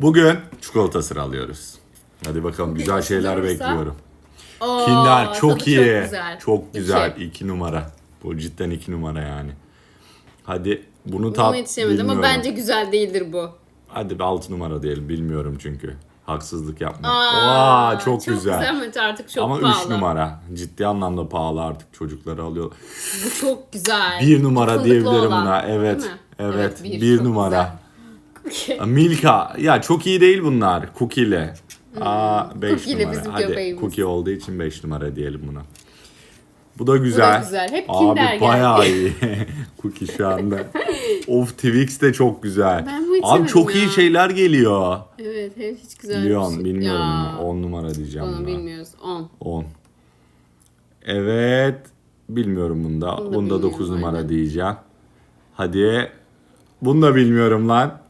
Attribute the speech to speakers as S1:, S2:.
S1: Bugün çikolata sıralıyoruz. Hadi bakalım, güzel şeyler
S2: olursa-
S1: bekliyorum.
S2: Oo,
S1: Kinder çok
S2: tadı
S1: iyi.
S2: Çok güzel.
S1: Çok güzel.
S2: İki.
S1: 2 numara. Bu cidden 2 numara yani. Hadi bunu
S2: Buna
S1: tat
S2: yetişemedim
S1: bilmiyorum.
S2: ama bence güzel değildir bu.
S1: Hadi bir 6 numara diyelim. Bilmiyorum çünkü. Haksızlık yapma.
S2: Aa,
S1: Çok güzel.
S2: Ama artık çok
S1: Ama
S2: pahalı.
S1: 3 numara. Ciddi anlamda pahalı, artık çocukları alıyor.
S2: Bu çok güzel.
S1: 1 numara
S2: Fındıklı
S1: diyebilirim
S2: olan,
S1: buna. Evet.
S2: değil mi?
S1: Evet.
S2: bir
S1: 1
S2: çok
S1: numara.
S2: güzel.
S1: Milka. Ya çok iyi değil bunlar. Cookie'li. 5
S2: Cookie'li
S1: numara.
S2: bizim
S1: Hadi
S2: köpeğimiz.
S1: cookie olduğu için 5 numara diyelim buna. Bu da güzel.
S2: güzel. Hep
S1: Abi
S2: Kinder
S1: bayağı
S2: geldi.
S1: iyi. Cookie şu anda. Of, Twix de çok güzel.
S2: Ben bu hiç
S1: Abi çok
S2: yemedim
S1: iyi
S2: ya.
S1: şeyler geliyor.
S2: Evet, hiç güzel.
S1: Lyon bilmiyorum
S2: Ya,
S1: bunu. 10 numara diyeceğim
S2: Onu
S1: buna.
S2: bilmiyoruz. 10.
S1: 10. Evet. Bilmiyorum bunda.
S2: Bunu da
S1: Bunda 9
S2: bilmiyorum,
S1: numara
S2: aynen.
S1: diyeceğim. Hadi. Bunu da bilmiyorum lan.